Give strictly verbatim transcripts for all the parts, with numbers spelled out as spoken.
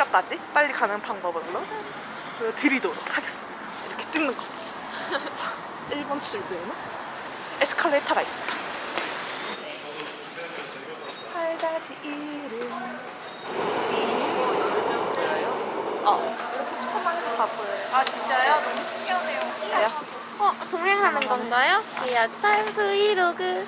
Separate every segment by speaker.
Speaker 1: 오사카까지 빨리 가는 방법으로 드리도록 하겠습니다. 이렇게 찍는 거지. 자, 일 번 출구에는 에스컬레이터가 있습니다. 팔 일은 어, 이렇게 조그만 거 다 보여요.
Speaker 2: 아 진짜요? 너무 신기하네요.
Speaker 1: 그래요?
Speaker 3: 어, 동행하는 건가요? 지하철 브이로그.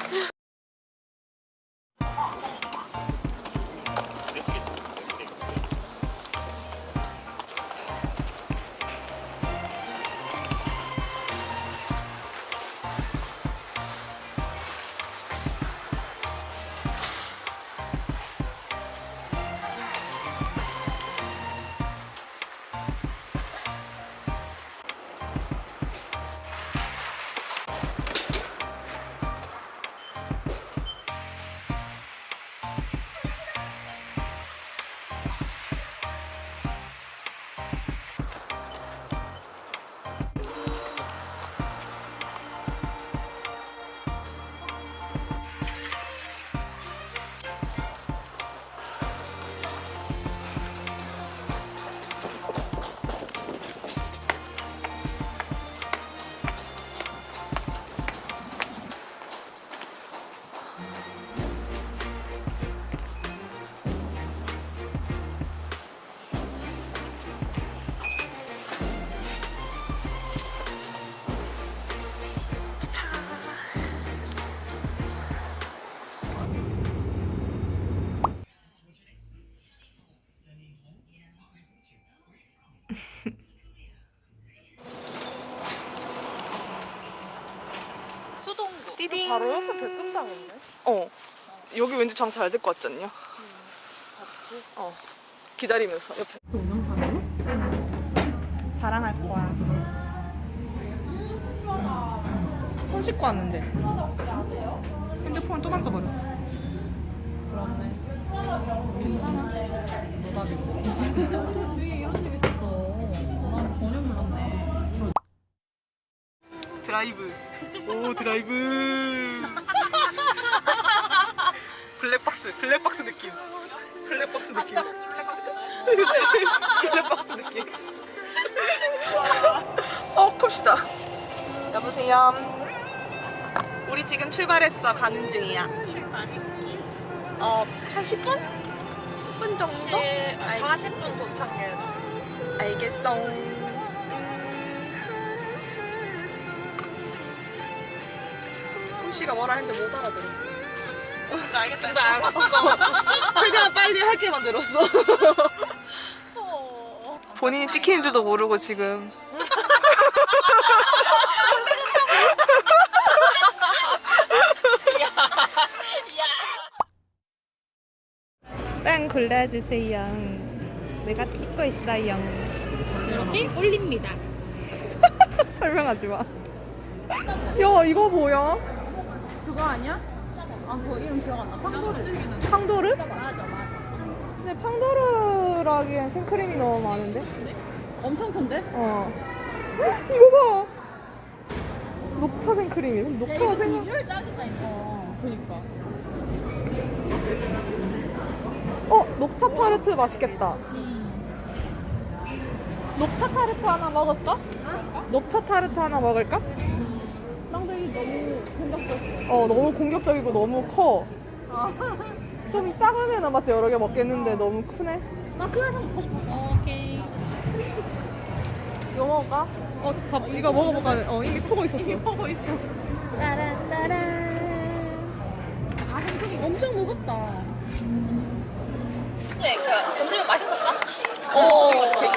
Speaker 2: 수동구.
Speaker 1: 띠딩.
Speaker 2: 바로 옆에 백금당인데?
Speaker 1: 어. 여기 왠지 장 잘 될 것 같지 않냐?
Speaker 2: 같이.
Speaker 1: 어. 기다리면서 옆에.
Speaker 4: 동영상으로? 자랑할 거야. 손 씻고 왔는데 핸드폰을 또 만져버렸어.
Speaker 2: 그렇네. 괜찮아. 노답이. 또 주위에 이런 집 있었어. 난 전혀 몰랐네.
Speaker 1: 드라이브. 오, 드라이브. 블랙박스, 블랙박스 느낌. 블랙박스 느낌. 블랙박스 느낌. 어, 컵시다. 여보세요. 우리 지금 출발했어. 가는 중이야. 어, 한 십 분? 십 분 정도? 알-
Speaker 2: 사십 분 도착해야죠.
Speaker 1: 알겠어. 씨가 뭐라 했는데 못 알아들었어.
Speaker 2: 알겠다. 근데 알았어.
Speaker 1: 최대한 빨리 할게 만들었어. 본인이 찍히는 줄도 모르고 지금.
Speaker 4: 빵 골라주세요. 내가 찍고 있어요.
Speaker 2: 이렇게 올립니다.
Speaker 4: 설명하지 마. 야, 이거 뭐야?
Speaker 2: 그거 아니야? 아, 그거 이름 기억 안 나. 팡도르.
Speaker 4: 팡도르?
Speaker 2: 맞아, 맞아.
Speaker 4: 근데 팡도르라기엔 생크림이 너무 많은데?
Speaker 2: 엄청 큰데?
Speaker 4: 어. 헉, 이거 봐. 녹차 생크림이. 녹차가 생.
Speaker 2: 비주얼 짱이다 이거. 그니까.
Speaker 4: 어, 녹차 타르트 맛있겠다. 녹차 타르트 하나 먹을까? 녹차 타르트 하나 먹을까?
Speaker 2: 쌍둥이 너무 공격적이야.
Speaker 4: 어, 너무 공격적이고 너무 커. 좀 작으면 맞지 여러 개 먹겠는데 너무 크네.
Speaker 2: 나 그래서 먹고 싶었어. 오케이.
Speaker 4: 이거 먹을까? 어, 밥, 이거 먹어볼까? 어, 이미 크고 있었어. 이미 크고 있어.
Speaker 3: 따란따란.
Speaker 2: 아, 생크림 엄청 무겁다.
Speaker 5: 네, 그 점심은 맛있었어?
Speaker 1: 어.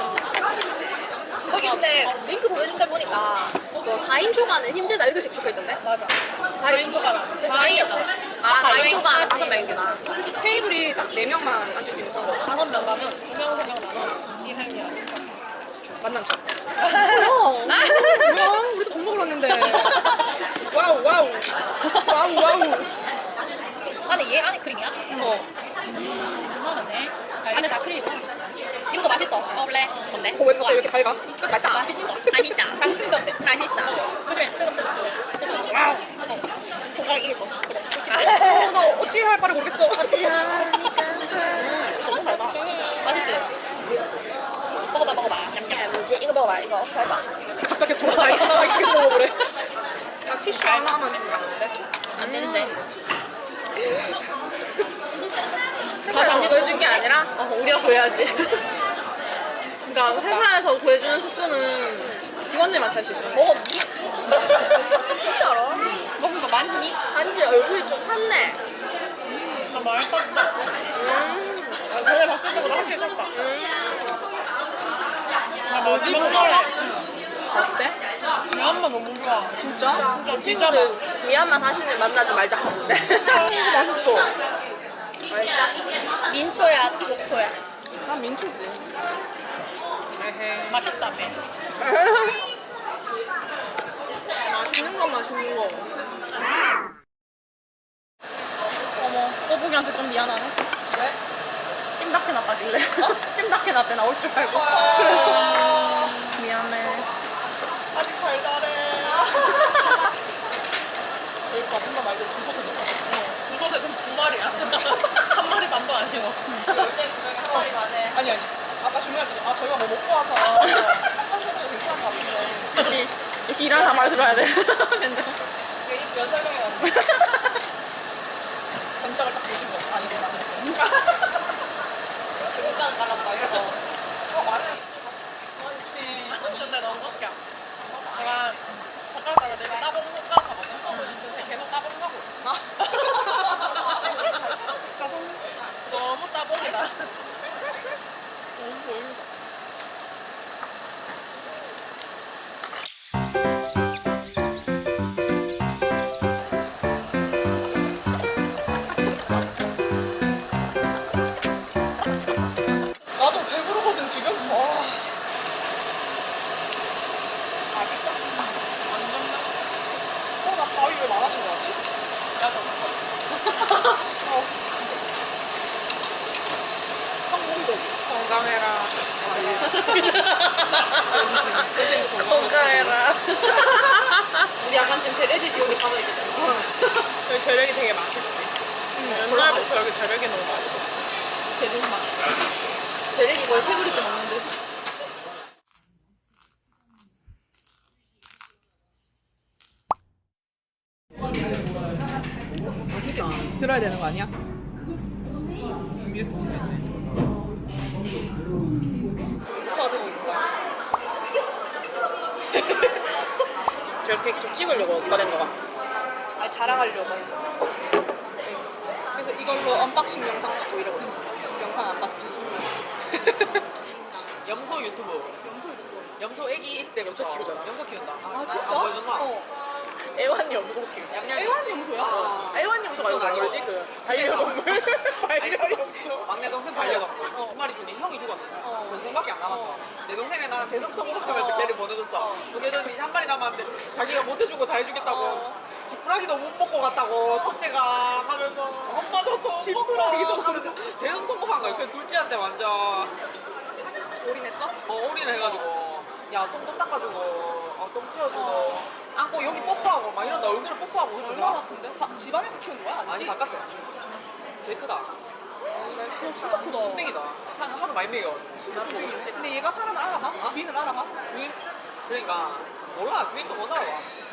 Speaker 5: 거기 근데 링크 보내준 데 보니까 그 사 인 초과는 힘들다 이렇게 적혀있던데? 맞아. 사 인 초과가. 근데 사 인이었잖아. 아, 사 인 초과는 다섯 명이구나.
Speaker 1: 테이블이 딱 네 명만 앉을 수 있는 거.
Speaker 5: 다섯 명 가면 두 명, 세 명 나눠. 이 할이야.
Speaker 1: 만난 척. 뭐야? 뭐야? 우리도 밥 먹으러 왔는데. 와우, 와우. 와우, 와우.
Speaker 5: 안에 얘 안에 크림이야?
Speaker 1: 어.
Speaker 5: 괜찮네. 안에 다 크림이구나. 이것도 맛있어. 먹을래? 뭔데?
Speaker 1: 그거 왜 갑자기 이렇게 밝아? 끝 맛있다.
Speaker 5: 맛있어. 맛있다. 당 충전됐어. 맛있어. 그중에 뜨겁뜨겁 뜨겁. 와우. 손가락 이길 거. 그래.
Speaker 1: 어, 나 어찌 할 바를 모르겠어.
Speaker 5: 너무 달다. 맛있지? 이거 해봐.
Speaker 1: 갑자기 좀 자기 자기 계속 먹어보래. 딱 티슈 하나만 준다는데.
Speaker 5: 안 되는데. 다 단지 구해준 게 아니라 어, 우리가 구해야지. 그러니까 회사에서 구해주는 숙소는 직원들만 살 수 있어. 먹었니? 진짜로? 먹은 거 많니? 단지 얼굴이 좀 탔네.
Speaker 1: 나 많이 컸다.
Speaker 5: 음. 전에 봤을 때보다 확실히 탔다. 음.
Speaker 1: 나 뭐지 먹어라. 어때?
Speaker 5: 미얀마 너무 좋아.
Speaker 1: 진짜?
Speaker 5: 저 친구들 미얀마 사시는 만나지 말자 하던데.
Speaker 1: 맛있어.
Speaker 5: 민초야, 녹초야.
Speaker 1: 난 민초지.
Speaker 5: 맛있다며.
Speaker 1: 맛있는 거 맛있는 거.
Speaker 2: 어머, 꼬북이한테 좀 미안하네.
Speaker 1: 왜?
Speaker 2: 찜닭해 놨다길래. 찜닭해 놨대 나올 줄 알고. 그래서 미안해.
Speaker 1: 아직 달달해. 여기 가본다 말고 두 소세 넣어. 두 소세는 두 마리야. 한 마리 반도 아니고.
Speaker 5: 절대 분명히 한 마리 가네.
Speaker 1: 아니 아니. 아까 주문할 때, 아 저희가 뭐 먹고 와서 한 소세도 괜찮은 것 같은데.
Speaker 2: 역시, 역시 일하는 사람 말 들어야 돼.
Speaker 1: 이게 입 연설명이 왔는데. 견적을 딱 보신 거 아니고 나는.
Speaker 5: 중간은 갈랐다 이거.
Speaker 1: 어 말해.
Speaker 5: 근데 너무 웃겨. 제가 젓가락을 내가 따봉 젓가락 하거든. 근데 계속 따봉 하고 있어. 따봉. 너무 따봉이다. 너무 보인다.
Speaker 1: 나도 배부르거든 지금. 와. 맛있어? 어, 나 가위 왜 많아진 거지?
Speaker 5: 야저
Speaker 1: 어. 성공적이.
Speaker 5: 건강해라.
Speaker 1: 건강해라.
Speaker 5: 건강해라. 우리 약간 지금 대레디시 여기 가만히 있잖아.
Speaker 1: 여기 재력이 되게 맛있지. 옛날부터 여기 재력이 너무 맛있어.
Speaker 5: 대동맛. 재래기 거의 세 그릇째 먹는데.
Speaker 4: 들어야 되는 거 아니야?
Speaker 1: 이렇게 찍어 있어요. 인스타 들고 있는 거야?
Speaker 5: 저렇게 좀 찍으려고 꺼낸 거가.
Speaker 1: 아니 자랑하려고 해서. 그래서, 그래서 이걸로 언박싱 영상 찍고 이러고 있어. 영상 안 봤지?
Speaker 6: 염소 유튜브.
Speaker 1: 영소 유튜브.
Speaker 6: 염소 애기 때 염소 키우잖아. 염소 키운다.
Speaker 1: 아 진짜?
Speaker 6: 안 보여줬나?
Speaker 1: 어.
Speaker 5: 애완 염소 키우시.
Speaker 6: 얌얌이.
Speaker 1: 애완염소야?
Speaker 6: 아.
Speaker 5: 애완 염소가 이거 뭐지? 그
Speaker 1: 반려동물. 반려염소.
Speaker 6: 막내 동생 반려동물. 한 마리 중에 형이 죽었어.
Speaker 1: 어.
Speaker 6: 동생밖에 안 남았어.
Speaker 1: 어.
Speaker 6: 내 동생이 나랑 대성통곡 하면서
Speaker 1: 어.
Speaker 6: 걔를 보내줬어. 보내줬는데 한 마리 남았는데 자기가 못 해주고 다 해주겠다고.
Speaker 1: 어.
Speaker 6: 지푸라기도 못 먹고 갔다고 첫째가 하면서 엄마 저도 못
Speaker 1: 지푸라기도
Speaker 6: 먹고 하면서 대성통곡한 거야. 그 둘째한테 완전
Speaker 1: 올인했어?
Speaker 6: 어, 올인을 해가지고 야 똥 좀 닦아주고 어, 똥 치워주고 안고 여기 뽀뽀하고 막 이런다. 얼굴에 뽀뽀하고 그러더라.
Speaker 1: 얼마나 큰데? 바, 집안에서 키우는 거야? 아니지?
Speaker 6: 아니 바깥에 되게 크다.
Speaker 1: 어, 진짜 크다.
Speaker 6: 땡이다. 사람 하도 많이 먹여가지고.
Speaker 1: 진짜 크네. 근데 얘가 사람을 알아봐?
Speaker 6: 어?
Speaker 1: 주인을 알아봐?
Speaker 6: 주인? 그러니까 몰라. 주인도 못 알아봐.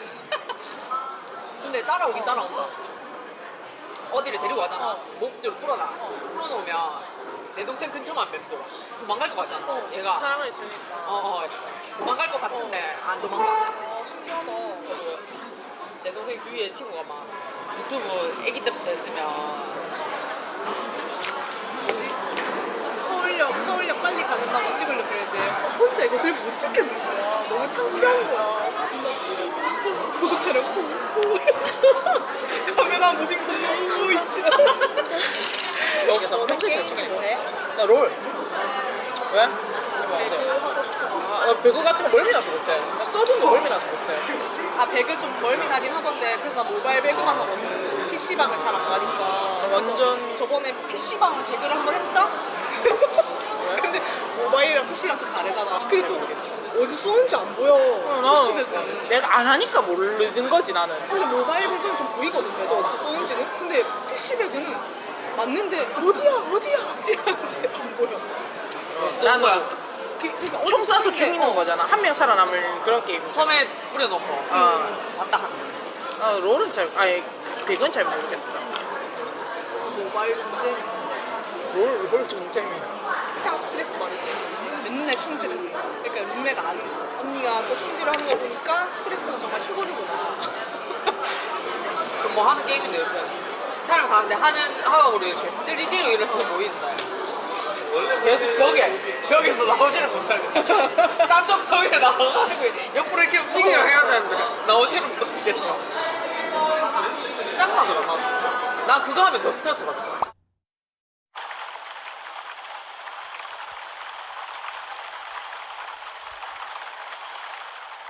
Speaker 6: 근데 따라오긴 따라온다. 어디를 데리고 가잖아.
Speaker 1: 어.
Speaker 6: 목줄을 풀어놔. 풀어놓으면 내 동생 근처만 맴돌아. 도망갈 것 같잖아.
Speaker 1: 어.
Speaker 6: 얘가
Speaker 5: 사랑을 주니까.
Speaker 6: 어, 어, 도망갈 것 같은데 안 도망가.
Speaker 1: 아 신기하다.
Speaker 6: 그래서 내 동생 주위에 친구가 막 유튜브 애기 때부터 했으면
Speaker 1: 뭐지? 서울역, 서울역 빨리 가는 날 찍으려고 했는데 혼자 이거 들고 못 찍겠는 거야. 너무 창피한 거야. 존나 도둑 촬영 후 이랬어. 카메라 무빙 존나 후 이씨.
Speaker 6: 여기서
Speaker 1: 너는
Speaker 6: 평소에 잘
Speaker 1: 게임
Speaker 6: 찍으니까.
Speaker 1: 뭐해?
Speaker 6: 나 롤. 왜?
Speaker 1: 배그 하고 싶어.
Speaker 6: 아, 나 배그 같은 거 멀미 나서 못해. 나 서든도 멀미 나서 못해.
Speaker 1: 아 배그 좀 멀미 나긴 하던데 그래서 나 모바일 배그만 하거든. 피시방을 잘 안 가니까. 그래서
Speaker 6: 완전-
Speaker 1: 저번에 피시방 배그를 한번 했다? 근데 모바일이랑 피시랑 좀 다르잖아. 근데 또 어디 쏘는지 안 보여. 피시 배그는.
Speaker 6: 내가 안 하니까 모르는 거지 나는.
Speaker 1: 근데 모바일 배그는 좀 보이거든. 그래도 어디서 쏘는지는. 근데 피시 배그는 맞는데 어디야 어디야 어디야 하는데 안 보여.
Speaker 6: 나는
Speaker 1: 그러니까
Speaker 2: 총 쏴서
Speaker 1: 어디서
Speaker 2: 죽이는
Speaker 1: 어.
Speaker 2: 거잖아. 한 명 살아남을 그런 게임.
Speaker 6: 섬에 뿌려놓고
Speaker 2: 어.
Speaker 6: 왔다 하는 거.
Speaker 2: 아, 롤은 잘, 아니, 백은 잘 모르겠다.
Speaker 1: 모바일 존재는 진짜
Speaker 2: 롤, 롤 전쟁이.
Speaker 1: 짱 스트레스 받을 때 맨날 총질을 해. 그러니까 룸메가 아는 거. 언니가 또 총질을 하는 거 보니까 스트레스가 정말 최고주구나.
Speaker 6: 그럼 뭐 하는 게임인데 옆에 사람 가는데 하는 하고 이렇게 쓰리디로 이렇게 보인다. 계속 벽에 벽에서 나오지를 못하고 딴쪽 벽에 나와가지고 옆으로 이렇게 움직이려 해야 되는데 나오지를 못하겠어. 짱나더라 나. 나 그거 하면 더 스트레스 받아.